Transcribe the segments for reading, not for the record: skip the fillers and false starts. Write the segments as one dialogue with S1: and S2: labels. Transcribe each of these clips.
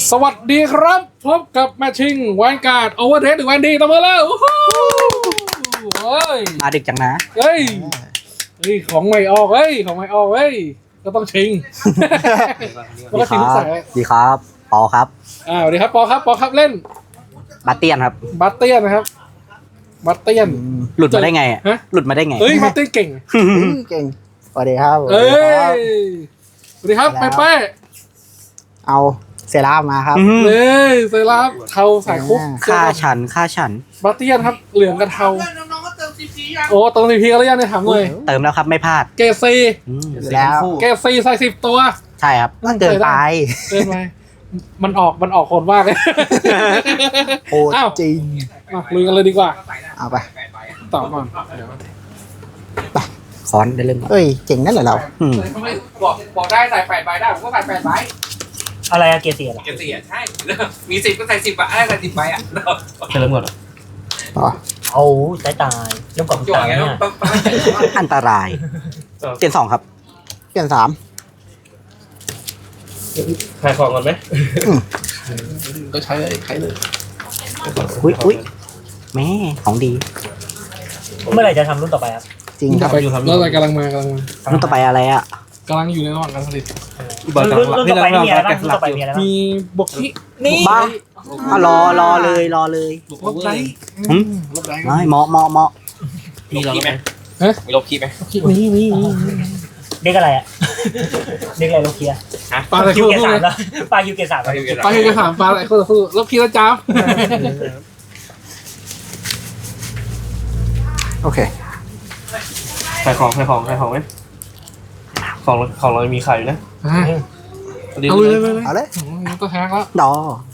S1: สวัสดีครับพบกับแมชชิ่งแวนการ์ดโอเวอร์เทสหรือแวนดีตบมือแล้วเฮ้ย
S2: มาดึกจังนะ
S1: เฮ้ยของใหม่ออกเฮ้ยของใหม่ออกเฮ้ยก็ต้องชิงมันก็ชิงทุกสาย
S2: ดีครับปอครับ
S1: สวัสดีครับปอครับเล่น
S2: บัตเตียนครับ
S1: บัตเตียนนะครับบัตเตียน
S2: หลุดมาได้ไงอะ
S1: ฮะ
S2: หลุดมาได้ไง
S1: เฮ้ยบัตเตียนเก่ง
S3: เก่งสวัสดีครับ
S1: เอ้ยสวัสดีครับไป
S3: เอาเซรามาครับ
S1: เฮ้ยเซราฟเทาสายคุก
S2: ฆ่าฉัน
S1: บัตเตียนครับเหลืองกับเทาโอ้เติมซีพีกันแล้วยังเนี่ยถามเลย
S2: เติมแล้วครับไม่พลาด
S1: เกรดซี
S2: อืม
S3: แล้ว
S1: เกรดซีใส่10 ตัว
S2: ใช่ครับ
S3: มันเกินไป
S1: เกินไปมันออกคนมากเลย
S3: โหด
S1: อ้าว
S3: จริง
S1: มาลุยกันเลยดีกว่า
S3: เอาไป
S1: ต่อก่อนเดี๋ยว
S2: คอนได้เรื่อง
S3: เอ้ยเจ๋งนั่นเหรอเรา
S2: อืม
S4: บอกได้ใส่8ใบได้ผมก็ใส่8ใบ
S5: อะไรอะเกียร์เสียเหรอ
S4: เก็บ4ใช่ มี10ก็ใส่10ใบใส่10ใบอ่ะ
S5: เริ่มก่อน
S3: ต่อ
S5: เอาตายเริ่มก่อน
S4: จั่ว
S5: ตาย
S4: ไง
S5: เนี่ย
S2: อันตรายเตียน2ครับ
S3: เปลี่ยน3
S5: ขายของก่อนไหม
S1: ก็ใช้เลย
S2: อุ้ยแม่ของดี
S5: เมื่อไหร่จะทำรุ่นต่อไปครับ
S3: จริงครับ
S1: ไปแล้วอะไรกำลังมา
S2: รุ่นต่อไปอะไรอ่ะ
S1: กำลังอยู่ในระหว่างการผลิต
S5: รุ่นต่อไปนี่มีอะไรบ้างรุ่นต่อไปมีอะไรบ้าง
S1: มีบกที่
S5: นี่
S2: บ้าอ่ะรอเลย
S1: ลบไลท์
S2: หืม
S1: ลบไลท์
S2: ไม่เหมาะ
S4: มีลบคีไหมมีลบคีไหม
S2: มี
S5: เด็กอะไรอะเด็กอะไรโลเคีย
S1: ปลาอะไร
S5: คิว
S1: คู่
S5: เกียร์
S1: เล
S5: สาม
S1: ย
S5: แล้วปลาคิวเกียร์สาม
S1: ปลาคิวกระถางปลาอะไรคู่ต่อสู้ลบคีแล้วจ้าบ
S3: โอเค
S6: ขายของไหมของเรามีขายอยู่นะ
S1: เอาเลย
S3: เอาเลย
S1: ตัวแทงแล้ว
S3: ดอ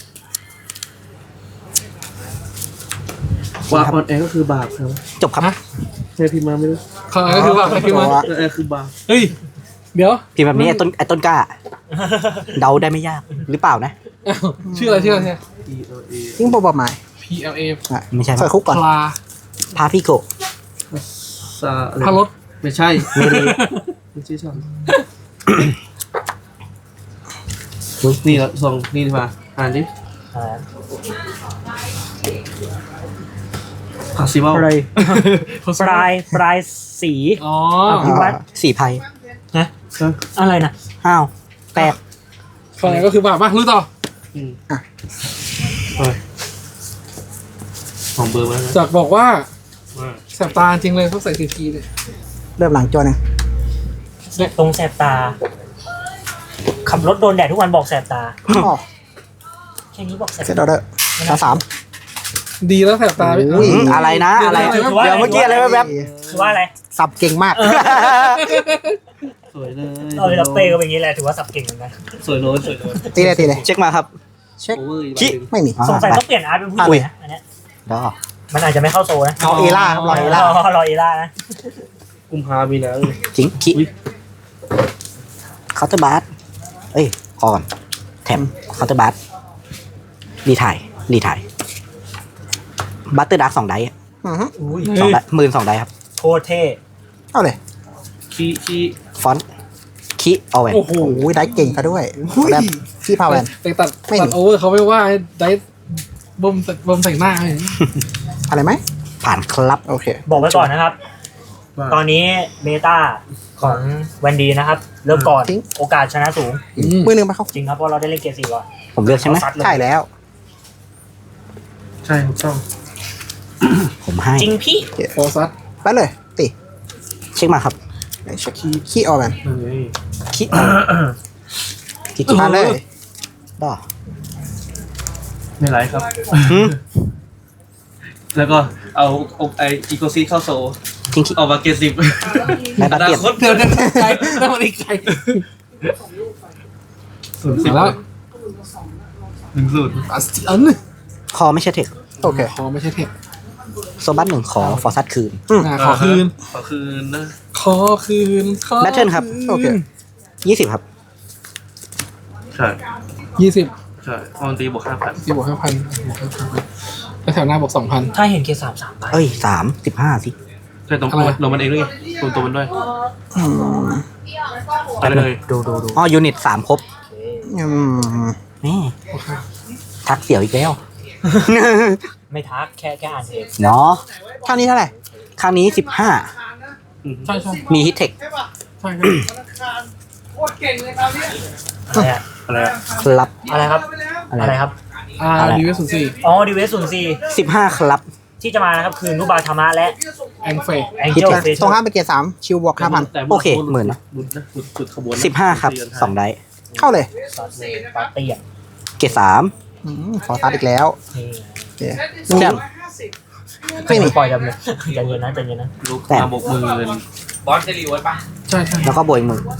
S6: ว่าออนแอร์ก็คือบาปครับ
S2: จบครับ
S6: ใช่พิมพ์มาไม่รู้
S1: เขาก็คือว่าคือมา
S6: ออนแอร์คือบาป
S1: เฮ้ยเดี๋ยว
S2: พิมพ์แบบนี้ไอ้ต้นกล้า เดาได้ไม่ยากหรือเปล่านะ
S1: ชื่ออะไร
S6: ELA
S3: ทิ้งโปรบอมไม้
S1: PLA
S2: ไม่ใช่
S3: ใส่คุกก่อน
S1: ปลา
S2: พาพี่โกะ
S6: ซาอะไร
S1: พารถ
S6: ไม่ใช่
S2: เมลี
S6: ไม่ใช่ช่องนี่ละส่งนี่ดีกว่าอ่านดิพาซิวัล
S5: ปลายสี
S1: อ๋อ
S5: พี่วัด
S2: สี่ไพ่
S5: อะไรนะ
S2: อ้าวแปลก
S1: ฝั่งไหนก็คือบาปมารู้ต่อ
S6: ของเบอร์มานะ
S1: จากบอกว่าแสบตาจริงเลยเขาใส่ซีพีเนี่ย
S3: เริ่มหลังจอหนึ่ง
S5: ตรงแสบตา ขับรถโดนแดดทุกวันบอกแสบตา
S3: อ๋อ
S5: แค่นี้บอกแสบ
S3: เซตออเดอร์สาม
S1: ดีแล้วแสบตา
S3: อุ้ย
S2: อะไรนะอะไร
S1: เดี๋ยว
S2: เดี๋ยวเมื่อกี้อะไรแวบ
S5: คือว่าอะไร
S3: สับเก่งมาก
S6: สวยเลย
S5: เราเป้ก็เป็นอย่างนี้แหละถือว่าสับเก่งเหมือนกัน
S6: สวยโน้ต
S3: ตีเลย
S2: ๆเช็คมาครับ
S3: เช็ค
S6: โอเวอร์อีก
S2: ขี้
S3: ไม่มี
S5: สงสัยต้องเปลี่ยนอาร์ตเป็นผู้หญิงนะอันเนี้ย
S2: ดอ
S5: มันอาจจะไม่เข้าโซนะ
S3: เอาเอล่าครับรอเอล่าร
S5: อเอล่านะ
S6: กุมภามีนะ
S2: จริงขี้เคาน์เตอร์บาร์เอ้ยพอก่อนแถมเคาน์เตอร์บาร์รีถ่ายบัตเตอร์ดาร์ก2 ไดส์อะ
S3: อือฮึ
S5: อุ้ย
S2: 2 ไดส์12 ไดส์ครับ
S5: โคตรเท่
S3: เอาเลย
S6: ขี้
S2: ฟอนต์ขี้เอาแหวน
S1: โอ้โห
S3: โอ้ยได้เก่งซะด้วยแบบพี่พาแวน
S1: แต่ตัด
S3: ไม่มี
S1: โอเวอร์เขาไม่ว่าได้บ่มใส่หน้าเลย
S3: อะไรไหม
S2: ผ่านครับ
S3: โอเค
S5: บอกไว้ก่อนนะครับ ตอนนี้เบต้าของแวนดีนะครับ เริ่มก่อน
S3: ทิ้ง
S5: โอกาสชนะสูง
S3: มือหนึ่งไปเข้า
S5: จริงครับเพราะเราได้เล่นเกม4ก่อน
S2: ผมเลือกใช่ไหม
S5: ซัดเลย
S3: ใช่แล้ว
S6: ใช่ถูกต้อง
S2: ผมให้
S5: จริงพี่
S1: โฟซัส
S3: ไปเลยตี
S2: เช็คมาครับ
S3: เช็คขี้ออแวน
S2: ขี้ขี้
S3: มาเลย
S2: ดอ
S6: ไม่ไรครับ
S2: หืม
S6: แล้วก็เอาไออีโกซีเข้าโซ
S2: ทิ้งขี้
S6: ออกมาเกตสิบ
S2: ได้บัตเตียน
S1: เดี๋ยวใจแล้วมันอีกใจ
S6: 0-10
S1: แล้ว
S6: 1-0
S1: อัสติอัน
S2: คอไม่ใช่เทค
S3: โอเค
S1: ขอไม่ใช่เทค
S2: โซบัส1ขอฟอร์ซัสคืน
S1: ขอคืน
S6: ขอคืนนะ
S1: ขอคืน
S2: แบทเทิลครับ
S3: โอเค
S2: 20 ครับ
S6: ใช่
S1: 20
S6: ใช่ออนตีบวก5,000
S1: ที่บวก5,000แล้วแถวหน้าบวก2,000
S5: ถ้าเห็นเกม3 ไป
S2: เอ้ย15 สิ
S6: ใช่ตรง
S1: อะไร
S6: ตัวมันเองด้วยไงตัวมันด้วย
S3: อืม
S6: ไปเลย
S5: ดู
S2: อ๋อยูนิต3 ครบ
S3: อืม
S2: นี่
S1: โอ
S2: ทักเสี่ยวอีกแล้ว
S5: ไม่ทักแค่อ่านเอง
S2: เนาะ
S3: ข้างนี้เท่าไหร่
S2: ข้างนี้
S1: ใช่ใช่
S2: 15 มีฮิตเทค
S1: ใช่
S5: อะไรอะ
S6: อะไรอะ
S2: ครับ
S5: อะไรครับ
S2: อะไร
S5: อะไรครับ
S1: ดีเวส04
S5: อ๋อดีเวสศูนย์สี่
S2: 15 ครับ
S5: ที่จะมานะครับคือนุบาธรรมะและ
S1: แองเฟ
S5: แองเจิลเฟส
S3: ตรงข้ามเป็นเกียร์3ชิวบวก 5,000
S2: โอเคหมื่นนะ
S6: สุดขบวน
S2: 15 ครับ 2 ไดส์
S3: เข้าเลย
S5: ปาร์ตี้อ่ะ
S2: เกรด3
S3: ขอตัดอีกแล้ว
S5: นี่
S3: โอเค
S2: แต้ม
S3: ไม่มี
S5: ปล่อยดำเลยใจเย็นนะใจเย็นนะ
S6: ลูกมาบกมือบ
S4: อสจะรีเวิร์สปะ
S1: ใช่ใช่
S2: แล้วก็บวกอีกหมื่น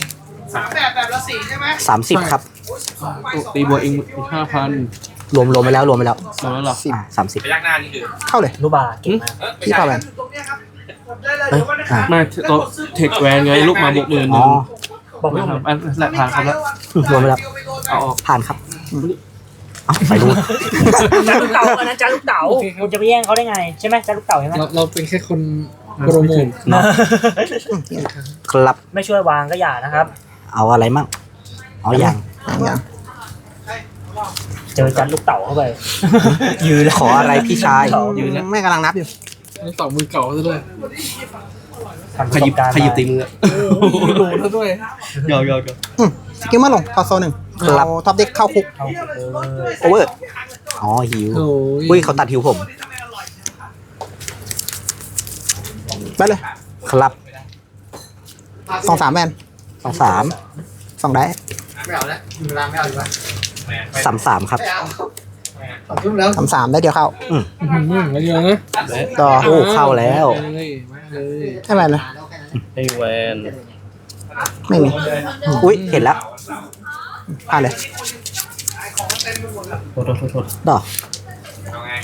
S2: 30 ครับ
S6: ตีบัวเองอีก5,000
S2: รวมไปแล้ว
S6: รวมแล้วหรอ
S2: 30
S4: พยักหน้านี่คือ
S3: เข้าเลย
S5: นุบาเก่งมาก
S4: ไม่
S3: พี่
S4: ใช่
S3: เข้าไป
S2: เอ้ยอ่ะ
S6: มาตัวเทคแวนไงลูกมาบกมือห
S2: อ๋
S6: นึ่
S2: อง
S5: บอกไม่
S6: ค
S5: ถู
S6: รั
S5: ก
S6: บอันแรกผ่านครับแล้ว
S2: รวมไปแล้ว
S6: เอาออก
S2: ผ่านครับเอาไปดู
S5: จาลูกเต๋าอันนั้นจาลูกเต๋าคุณจะไปแย่งเขาได้ไงใช่ไหมจาลูกเต๋าใช่ไหม
S1: เราเป็นแค่คนโปรโมท
S2: เนาะครับ
S5: ไม่ช่วยวางก็อย่านะครับ
S2: เอาอะไรมั่งเอาอย่าง
S3: อย่าง
S5: เจอจันลูกเต๋าเข้าไป ยืน
S2: ขออะไรพี่ชาย
S3: ไม่กำลังนับอยู่
S1: นี่ต่อมือเก่าซะด้วย
S6: ขยิบตีมือ
S1: โดนซะด้วย
S6: ยอม
S3: สกิลมาลงทอโซ1เราท็อปเด็กเข้าคุก
S5: เข้าเลย
S2: โอเวอร์อ๋อหิว
S1: โอ้
S2: อุ้ยเขาตัดหิวผม
S3: ไปเลย
S2: ครับ
S3: 2-3แมน
S2: 23
S3: 2ได้
S2: 33 ครับ
S3: 3-3ได้เดียวเข้า
S1: มาเยอะนะ
S3: ต่อ
S2: โอ้เข้าแล้ว
S1: เลยมาเลย
S3: ให้แมนเลย
S6: ให้แวน
S3: ไม่มี
S2: อุ้ยเห็นแล้ว
S3: ผ่านเลย
S6: โทษ
S2: ดอก
S4: เอาไง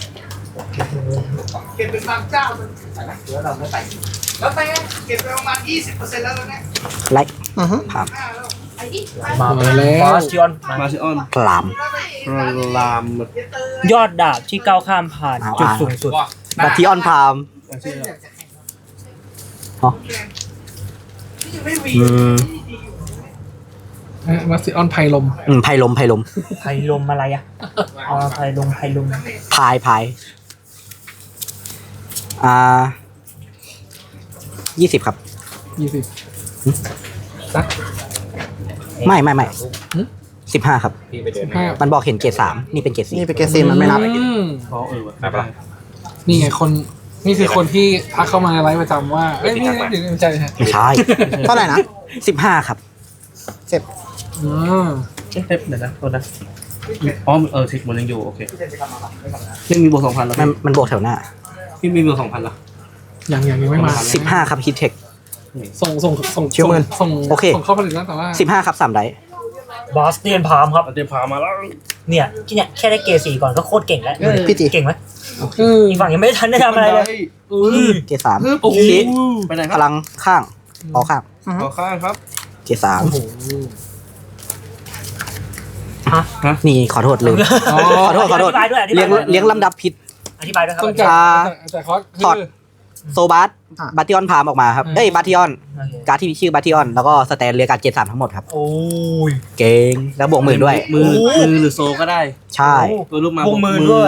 S2: ไลค์
S3: อือฮึ
S2: ผ่าน
S5: มาแล้วบอสชิออนมา
S6: มาซิออน
S2: พลาม
S6: ลาม
S5: ยอดดาบที่ก้าวข้ามผ่านจุดสูงสุด
S4: บอก
S2: บัตทิออนพามอ๋ออืม
S1: มาซิออนไพลม
S2: ไพลม
S5: ไพลมอะไรอ่ะอ๋อไพลม
S2: พาย20 ครับ
S1: 20ซัก
S2: ไม่
S1: หึ
S2: 15 ครับ
S4: พี่ไปเดิน
S1: 15
S2: มันบอกเห็นเกรด3นี่เป็นเกรด
S3: นี่เป็นเกซีนมันไม่นับ
S6: อ๋อว่ะ
S4: ไปปะ
S1: นี่ไงคนนี่คือคนที่ทักเข้ามาในไลฟ์ประจำว่าเอ้ยนี่เดี๋ยวไม่ใช่ฮะ
S2: 4ไม่ใช่
S3: เท่าไหร่นะ
S2: 15 ครับ
S3: เสร็จ
S1: อ๋อ
S6: เอ๊ะเดี๋ยวนะโทษนะอ๋อเทคมันยังอยู่โอเคยังมีบวก 2,000แล้ว
S2: มันบวกแถวหน้า
S6: พี่มีบวก 2,000แล้ว
S1: ยังไม่มา
S2: 15 ครับฮิตเทค
S1: ส่งส่งเข้าผลิตแล้วแต่ว่า
S2: 15 ครับ3ไดส์
S5: บอสเตียนพามครับ
S6: เดี๋ยวพามาแล้ว
S5: เนี่ยแค่ได้เกรด4ก่อนก็โคตรเก่งแล้ว
S3: พี่จี
S5: เก่งไหมอีกฝั่งยังไม่ได้ทันได้ทำอะไรเลย
S2: เกรด3
S6: โอ้โห
S2: ชี้
S6: ไปไหนค
S2: พ
S6: รับ
S2: ลังข้างออกข้าง
S6: ต่อข้างครับ
S2: เกรด
S1: โอ้โห
S2: 3นี่ขอโทษลืมขอโทษ
S5: อธิบายด้วยอธิบายด้วย
S2: เลี้ยงลำดับผิด
S5: อธิบายด้วยครับ
S1: ต้อง
S2: อ่า
S1: แต่คอส
S2: ถอด โซบัสบัตติออนพามออกมาครับเอ้ยบัตติออน
S5: โอเค
S2: การ์ดที่มีชื่อบัตติออนแล้วก็สแตนเรียกการ์ดเกรด3ทั้งหมดครับ
S5: โอ้ย
S2: เก่งแล้วบวกหมื่นด้วย
S6: มือหรือโซก็ได้
S2: ใช่
S6: ตัวลูกมา
S5: บวกหมื่นด้วย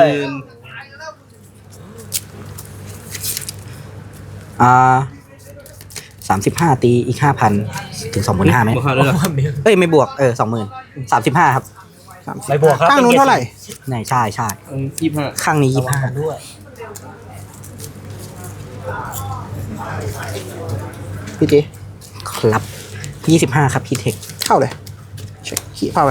S2: 35 ตีอีก 5,000 ถึง 25,000ไหม
S6: บวก5ด้วยเหรอ
S2: เอ้ย ไม่บวก 20,000 35 ครับ
S5: ไม่บวกครับ
S3: ข้างนู้นเท่าไหร่
S2: ไหนใช่ใช่
S6: 25
S2: ข้างนี้
S5: ระวังกันด้วย
S3: พี่จี
S2: 25 ครับ 25 ครับพีเทค
S3: เข้าเลยเช็คขี้พาแวน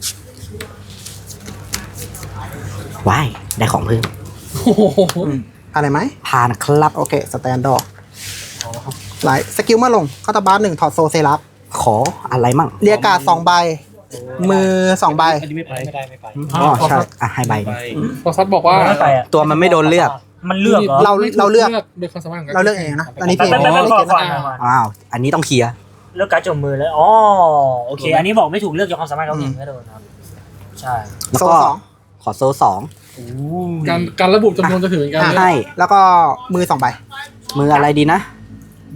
S2: ว้าย ได้ของเพิ่ม
S1: โอ้โห
S3: อะไรไหม
S2: ผ่านครับ
S3: โอเคสแตนดอร์ไลท์สกิลมาลงเข้าตาบาร์1ถอดโซเซรัส
S2: ขออะไรมั่ง
S3: เรียกการ์ด2ใบ มือ2ใบ
S6: อันนี้ไม่ไป
S2: อ๋อใช่ อ่ะ ให้ใบหนึ่ง
S1: พอซัดบอกว่า
S5: ไม่ไปอ่ะ
S2: ตัวมันไม่โดนเลือก
S5: มันเลือกเหรอ
S3: เราเลือก
S1: โดยความสามารถของ
S3: เราเลือกเองนะอันนี้
S5: แป๊
S3: พี่
S5: บๆๆๆก่อน
S2: อ้าว อันนี้ต้องเคลียร์
S5: เลือกการ์ดจมมือเลยอ๋อโอเค อันนี้บอกไม่ถูกเลือกจากความสามารถเขาเองไม่โดนครับใช่
S2: แล้ว
S3: โซ
S2: ก็
S3: สอง
S2: ขอโซ่2
S1: การระบุจำนวนจะถือกัน
S2: ให้
S3: แล้วก็มือ2ใบ
S2: มืออะไรดีนะ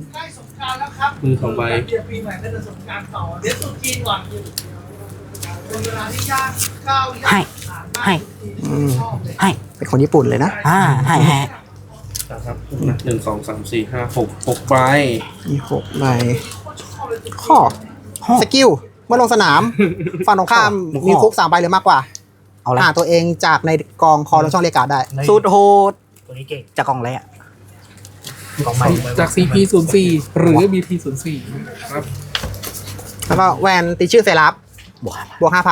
S6: มือ2ใบ
S2: ให้ให้
S3: อืม
S2: ให้
S3: เป็นคนญี่ปุ่นเลยนะ
S2: ให้
S6: ครับหนึ่งสองสามสี่ห้าหกใบ
S3: มี6ใบข้อสกิลเมื่อลงสนาม ฝั่งตรงข้ามมีคุก3ใบหรือมากกว่า
S2: เอาละ
S3: หาตัวเองจากในกองคอลงช่องเรียกการ์ดได้
S2: สูตรโหด
S5: ตัวนี้เก่ง
S2: จากกล่องอะไรอ่ะ
S5: ของใหม่
S1: จาก CP04 หรือ BP04 ครับ
S3: แล้วก็แวนตีชื่อเซราฟ
S2: บวก
S3: บวก 5,000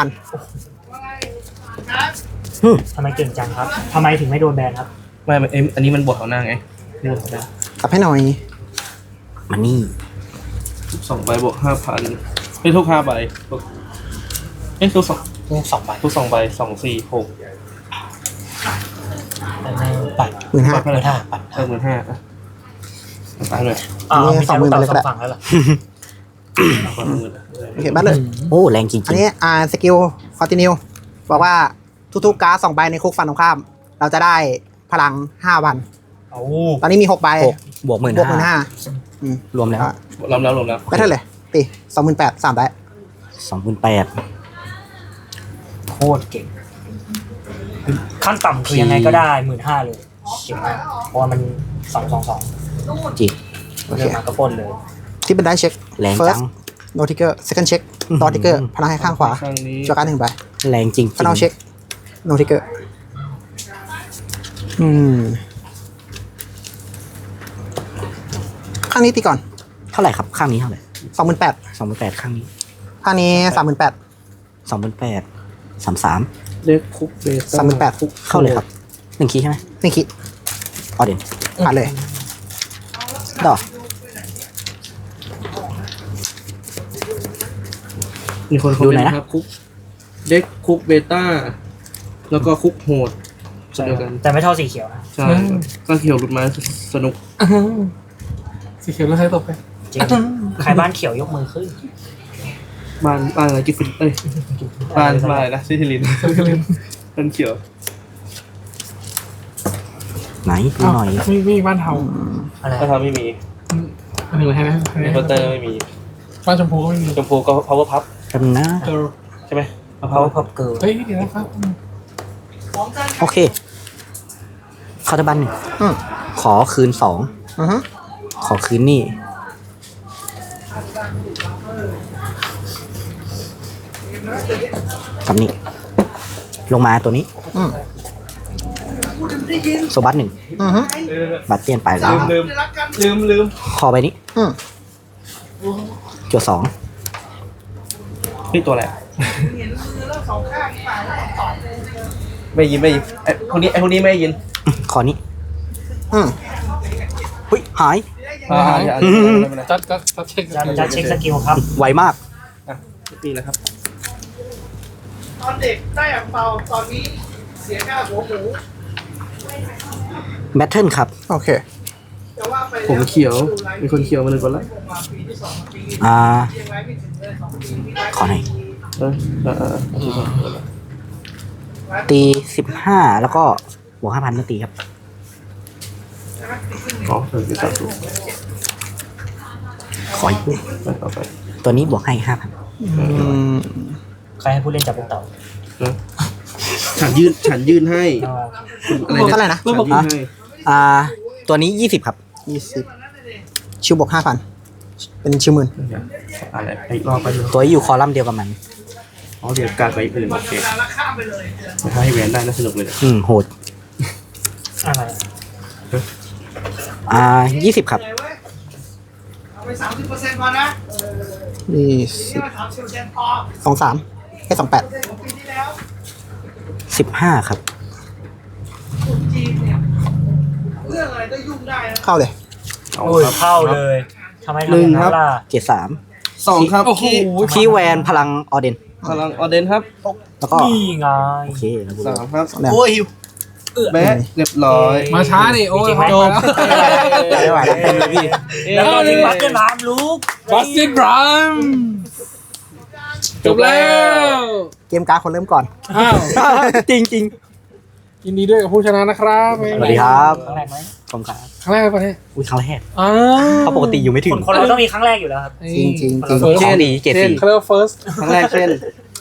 S5: ทำไมเก่งจังครับทำไมถึงไม่โดนแบนครับ
S6: ไม่อันนี้มันบวกเขาหน้าไงนี่บวกเขาหน้าก
S3: ลับให้หน่อย
S2: มันนี่
S6: 2 ใบบวก 5,000ไม่ทุก5 ใบทุก2
S5: 2 ใบ
S6: ทุก2 ใบ2 4 6
S5: ปัด
S3: 15,000
S6: ปัดเท่าไหร่ปัด15,000อ่ะตายเลย
S5: มีแต่ลูกเต่า2ฝั่งแล้วเหรอ
S6: ปัด10,000
S3: โอเคบัตเลย
S2: โอ้แรงจริง
S3: อันนี้สกิลคอนติเนียบอกว่าทุกๆการ์ด2ใบในคุกฝั่งตรงข้าม เราจะได้พลัง 5,000
S5: โอ้
S3: ตอนนี้มี6ใบ
S2: 6 บวก
S3: บวก
S2: 15,000
S3: 15,000
S2: รวมแล้ว
S6: รวมแล้ว
S3: ไปเท่าไหร่ตี 28,000 3ได้
S2: 28,000
S5: โคตรเก่งขั้นต่ำคือยังไงก็ได้ 15,000เลยเก่งมากเพราะว่ามัน222
S2: จริง
S3: โอเค
S5: เริ่มมาก็ปล้นเลย
S3: ที่เป็นได้เช็ค
S2: แรงจั
S3: first
S2: ง
S3: no trigger second check ต่อ trigger พลังให้ข้างขวา
S6: ข้างนี้
S3: จั่วการ์ด1ใบ
S2: แรงจริง
S3: final check no trigger ข้างนี้ตีก่อน
S2: เท่าไหร่ครับ ข้างนี้เท่าไหร่
S3: 28,000
S2: 28,000ข้างนี้
S3: ข้างนี้ 38,000
S2: 28,000 33
S6: เล็กคุกเบต้า
S3: 38,000
S2: เข้าเลยครับ1คีย์ใช่ไหม
S3: นี่คิด
S2: ออเดน
S3: ผ่านเลย
S2: ดอก
S6: มีคนคอมเมนต์ครับคุกเล็กคุกเบต้าแล้วก็คุกโหดเดียวกัน
S5: แต่ไม่เท่าสีเขียวนะ
S6: ใช่ก็เขียวหลุดมาสนุก
S1: สีเขียวแล้วใช้ตกไป
S5: จริงใครบ้านเขียวยกมือขึ้น
S6: บ้านอะไรกิฟฟินบ้านอะไรนะซิทิลินบ้านเขียว
S2: ไหนดูหน่อย
S1: มีบ้านเทา
S5: อะไร
S6: ถ้าทำไม่มี
S1: อันนี้ให้ไหม
S6: ในเคาน์เตอร์ไม่มี
S1: บ้านชมพูก็ไม่มี
S6: ชมพูก็ power pup
S2: แป๊บนึงนะ
S1: เออ
S6: ใช่ไหม
S5: เขาพับเกิร์ล
S1: เฮ้ยเดี๋ยวนะครับ
S2: โอเคเข้าตะบันหนึ่ง
S3: อืม
S2: ขอคืน
S3: อือฮึ
S2: 2 ขอคืนนี่กับนี่ลงมาตัวนี้
S3: อืม
S2: โซบัส1
S3: อือฮึ
S2: บัตเตียนไปแล้ว
S6: ลืม
S2: คอไปนี้
S3: อืม
S2: จั่ว2
S6: นี่ตัวอะไรไม่ยินไอ้พวกนี้ไม่ยิน
S2: คอนี้
S3: อืม
S2: หุ้ยหาย
S6: อย่า
S1: จัดเช็ค
S5: จะเช็คสกิลครับ
S2: ไวมาก
S6: นี่นะครับ
S7: ตอนเด็กได้อ่างเปาตอนนี้เสียค่าหัวหมู
S2: แบทเทิลครับ
S3: โอเค
S7: แต่ว่าไป
S6: ผมเขียวมีคนเขียวมาหนึ่งคนละ
S7: มาปีที่สองปี
S3: ยังไงไม่ถึงเลย2 ปีที่
S2: ขอหน่อย ตี 15 แล้วก็บวก 5,000เมื่อตีครับ
S6: อ๋อเป็นสามสู
S2: ขออีก
S6: ไปต่อไป
S2: ตัวนี้บวกให้
S3: อืม
S5: ใครให้ผู้เล่นจับลูกเต่า
S6: ฉันยื่นให้อะไร
S3: เท่าไหร่นะ
S6: ฉันยื่นให้
S2: 5,000ตัวนี้ 20 ครับ
S3: 20 ชิวบวก 5,000 เป็นชิวหมื่น
S6: อะไรอีกรอบไปเลย
S2: ตัวอยู่คอลัมน์เดียวกับมัน
S6: อ๋อเดี๋ยวการไปอื่นโอเค
S7: แล้วข้ามไปเลย
S6: ถ้าให้แหวนได้น่าสนุกเลย
S2: โหด
S5: อะไร
S2: 20 ครับ
S7: เอาไป 30%พอนะ
S3: นี่
S7: นี่มา30%พอ
S3: 23ให้28
S7: ของปีที่แล้ว
S2: 15 ครับ
S7: คนจีนเนี่ยเรื่องอะไรก็ยุ่งได้นะ
S3: เข้าเลย
S5: โอ้ยเข้าเลยทำไมทำอย่างนั้นล่ะ
S2: เกียร์3
S6: 2ครับ
S1: โอ้โห
S2: คีย์แวนพลังออเดน
S6: พลังออเดนครับ
S2: แล้วก็
S5: นี่ไง
S2: โอเคแล้วกู
S6: 3ครับ
S3: เนี่ย
S6: โอ้ยแบะเรียบร้อย
S1: มาช้าดิโอ้ยจบ
S2: ไม่ไหวแล้วเต็มเลยพี่
S5: แล้วก็ทิ้งบัคเก็ตน้ำลูก
S1: บัสตินบรัมจบแล้ว
S3: เกมการ์ดคนเริ่มก่อน
S1: อ้าว
S2: จริงจริง
S1: ยินดีด้วยกับผู้ชนะนะครับ
S2: สวัสดีครับ
S5: ครั้งแรกไหม
S2: ผมครับ
S1: ครั้งแรกปะเนี่ย
S2: อุ้ยครั้งแรก
S1: อ้า
S2: เพราะปกติอยู่ไม่ถึง
S5: คนเราต้องมีครั้งแรกอยู่แล้วครับ
S3: จริง
S2: โชคดีเกียร์
S1: เขาเรียกว่า first
S6: ครั้งแรกเช่น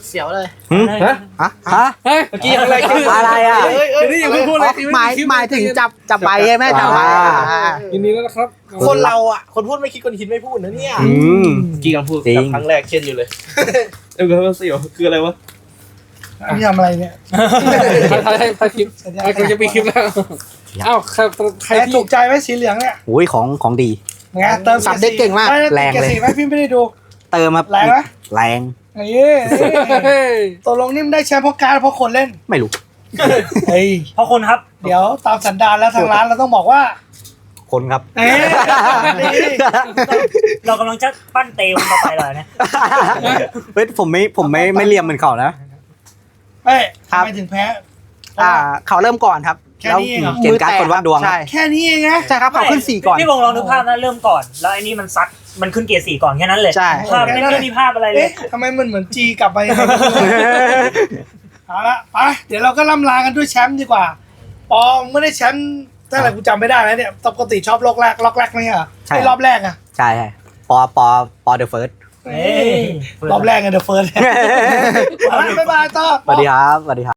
S3: เสียวเลย
S1: ฮะ
S3: ฮะ
S2: ฮะ
S1: เฮ้ย
S6: เมื่อกี้อะไรกัน
S2: อะไรอ่ะ
S1: เดี๋ยวนี้อย่าเพิ่งพูดเลย
S3: หมายถึงจับใบใช่ไหมจับใบ
S1: ยินดีแล้วนะครับ
S6: คนเราอ่ะ คนพูดไม่คิดคนคิดไม่พูดนะเนี่ย
S2: อืม
S6: กี่คำพูด
S2: จริง
S6: กับครั้งแรกเช่นอยู่เลยเออเสียวคืออะไรวะ
S7: นี่ทำอะไรเนี่ย
S1: ถ่ายคลิปกูจะปีคลิปแล้วอ้าวใคร
S7: แต่
S1: ที่
S7: ถูกใจไหมสีเหลืองเนี่ย
S2: โอ้ยของดี
S7: ไงเติม
S3: สับเด็กเก่งมาก
S2: แรงเลย
S7: สีไหมพี่ไม่ได้ดู
S2: เติมครับ
S7: แรงไหม
S2: แรง
S7: นี่
S1: เฮ้ย
S7: ตกลงนี่มันได้แชมป์เพราะการดเพราะคนเล่น
S2: ไม่รู้
S7: เฮ้ย
S5: เพราะคนครับ
S7: เดี๋ยวตามสันดานแล้วทางร้านเราต้องบอกว่า
S2: คนครับ
S7: เอ๊ะนี่
S5: เรากำลังจะปั้นเตวต่อไปเลยนะ
S2: เฮ้ยผมไม่เลียมเหมือนเขานะ
S7: เอ้ยทำไมถึงแพ้
S3: เขาเริ่มก่อนครับ
S7: แค่นี้เองเหรอ
S2: เกณฑ์การ์ดคนวัดดวง
S3: ใช่
S7: แค่นี้เองนะ
S3: ใช่ครับเขาขึ้น4ก่อน
S5: พี่บงลองนึกภาพนะเริ่มก่อน แล้วไอ้นี่มันซัดมันขึ้นเกรด4ก่อนแค่นั้นเลย
S3: ใช่
S5: ภาพไม่มีภาพอะไรเลย
S7: เอ๊ะทำไมมันเหมือนจีกลับไปยังไงไม่รู้เอาละไปเดี๋ยวเราก็ล่ำลากันด้วยแชมป์ดีกว่าปอไม่ได้แชมป์ตั้งแต่กูจำไม่ได้แล้วเนี่ยปกติชอบล็อกแรกไม่ใช่เหรอ
S2: ใช่
S7: ไอ้รอบแรกอะ
S2: ใช่ปอเดอะเฟิร์ส
S7: รอบแรกไงเดอะเฟิร์สบ๊ายบายต่อ
S2: สวัสดีครับสวัสดีครับ